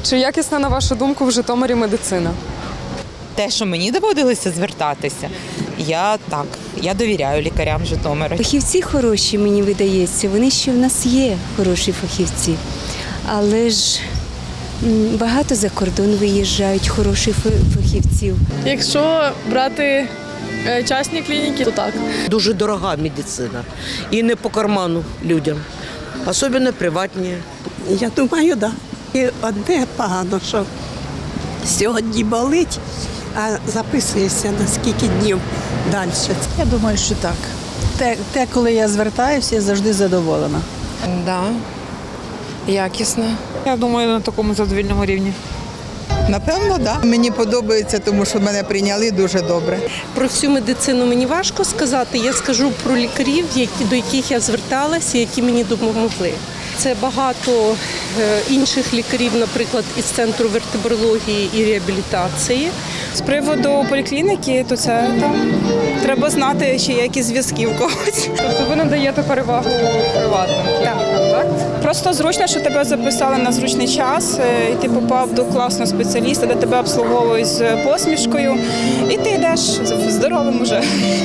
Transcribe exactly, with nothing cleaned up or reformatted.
Чи якісна, на вашу думку, в Житомирі медицина? Те, що мені доводилося звертатися, я так, я довіряю лікарям Житомира. Фахівці хороші, мені видається, вони ще в нас є хороші фахівці. Але ж м, багато за кордон виїжджають хороших фа- фахівців. Якщо брати е, частні клініки, то так. Дуже дорога медицина і не по карману людям, особливо приватні. Я думаю, так. Да. І одне погано, що сьогодні болить, а записуєшся на скільки днів далі. Я думаю, що так. Те, те, коли я звертаюся, я завжди задоволена. Да, якісно. Я думаю, на такому задовільному рівні. Напевно, так. Да. Мені подобається, тому що мене прийняли дуже добре. Про всю медицину мені важко сказати. Я скажу про лікарів, які, до яких я зверталася, які мені допомогли. Це багато е, інших лікарів, наприклад, із Центру вертебрології і реабілітації. З приводу поліклініки, то це там треба знати, чи є якісь зв'язки в когось. Тобто ви надаєте перевагу приватним клінікам, так? Просто зручно, що тебе записали на зручний час, е, і ти попав до класного спеціаліста, де тебе обслуговують з посмішкою, і ти йдеш здоровим уже.